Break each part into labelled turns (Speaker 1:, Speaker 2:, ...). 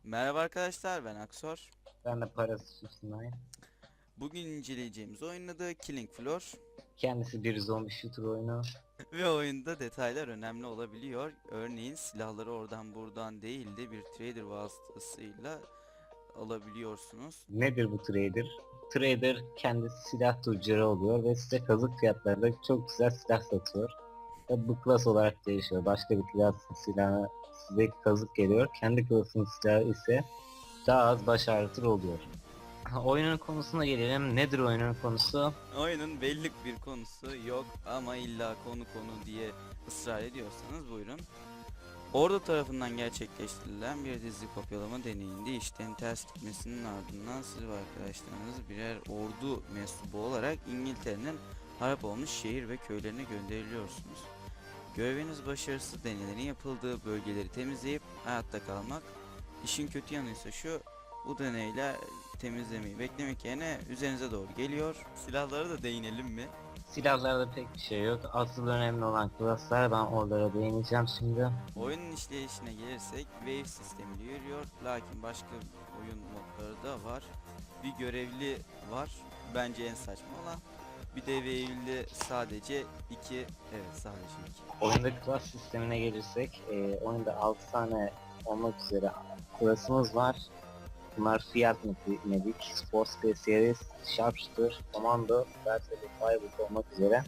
Speaker 1: Merhaba arkadaşlar, ben Aksor.
Speaker 2: Ben de parası üstüne.
Speaker 1: Bugün inceleyeceğimiz oyunun adı Killing Floor
Speaker 2: Kendisi bir zombi shooter oyunu.
Speaker 1: ve oyunda detaylar önemli olabiliyor. Örneğin silahları oradan buradan değil de bir trader vasıtasıyla alabiliyorsunuz.
Speaker 2: Nedir bu trader? Trader kendisi silah tüccarı oluyor ve size kazık fiyatlarında çok güzel silah satıyor. Ve bu klas olarak değişiyor. Başka bir klasın silahı size kazık geliyor. Kendi klasının silahı ise daha az baş ağrıtır oluyor. Oyunun konusuna gelelim. Nedir oyunun konusu?
Speaker 1: Oyunun belli bir konusu yok ama illa konu diye ısrar ediyorsanız buyurun. Ordu tarafından gerçekleştirilen bir dizi kopyalama deneyinde işten ters gitmesinin ardından siz ve arkadaşlarınız birer ordu mensubu olarak İngiltere'nin harap olmuş şehir ve köylerine gönderiliyorsunuz. Göreviniz başarısız deneylerin yapıldığı bölgeleri temizleyip hayatta kalmak. İşin kötü yanı ise şu: bu deneyler temizlemeyi beklemek yerine üzerinize doğru geliyor. Silahlara da değinelim mi?
Speaker 2: Silahlarda pek bir şey yok. Asıl önemli olan klaslar. Ben oralara değineceğim şimdi.
Speaker 1: Oyunun işleyişine gelirsek wave sistemiyle yürüyor, lakin başka oyun modları da var. Bir görevli var, bence en saçma olan. Bir de wave'li sadece iki, evet sadece iki.
Speaker 2: Oyunda klas sistemine gelirsek, oyunda 6 tane olmak üzere klasımız var. Bunlar Fiat Medic, Sport Specialist, Sharpshooter, Commando, Versatile Firebolt olmak üzere.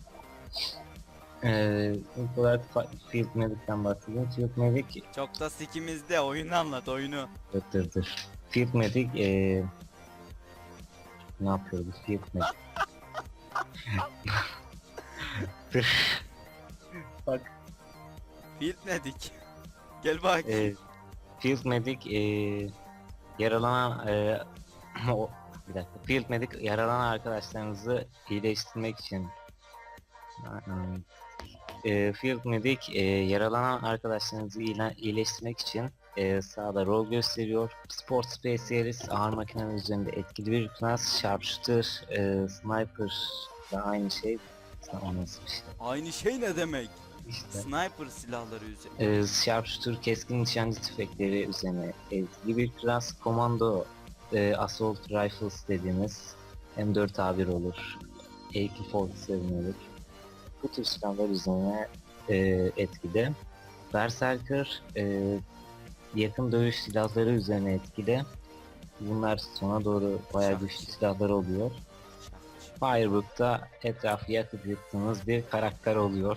Speaker 2: İlk olarak Field Medic'ten bahsedeyim. Field Medic,
Speaker 1: Çok da sikimizde, oyunu anlat, oyunu.
Speaker 2: dur. Field Medic, ne yapıyor bu Field Medic? Dur. Bak,
Speaker 1: Field Medic. Gel bak.
Speaker 2: e, Field Medic, yaralanan bir dakika. Field Medic yaralanan arkadaşlarınızı iyileştirmek için Field Medic yaralanan arkadaşlarınızı iyileştirmek için sahada rol gösteriyor. Sport Specialist ağır makinenin üzerinde etkili bir klas. Sharpshooter, Sniper da aynı şey. O nasıl bir şey?
Speaker 1: Aynı şey ne demek?
Speaker 2: İşte.
Speaker 1: Sniper silahları üzerine.
Speaker 2: Sharpshooter keskin nişancı tüfekleri üzerine etkili bir klas. Komando Assault Rifles dediğimiz M4A1 olur. AK-47 olur. Bu tür silahlar üzerine etkili. Berserker yakın dövüş silahları üzerine etkili. Bunlar sona doğru bayağı güçlü silahlar oluyor. Firebook'ta etrafı yakıp yıktığınız bir karakter oluyor.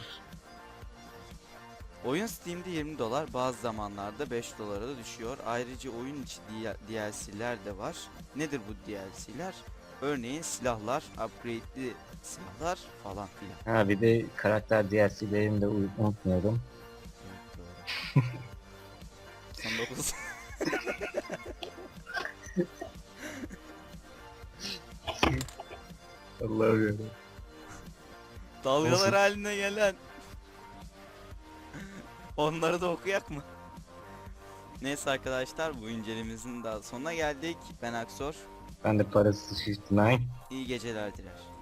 Speaker 1: Oyun Steam'de 20 dolar, bazı zamanlarda 5 dolara da düşüyor. Ayrıca oyun içi DLC'ler de var. Nedir bu DLC'ler? Örneğin silahlar, upgrade'li silahlar falan filan.
Speaker 2: Ha bir de karakter DLC'lerini de unutmayalım.
Speaker 1: Evet, doğru. 99.
Speaker 2: Allah'ım.
Speaker 1: Dalgalar haline gelen. Onları da okuyak mı? Neyse arkadaşlar, bu incelememizin daha sonuna geldik. Ben Aksor.
Speaker 2: Ben de parasız Shift Nine.
Speaker 1: İyi geceler diler.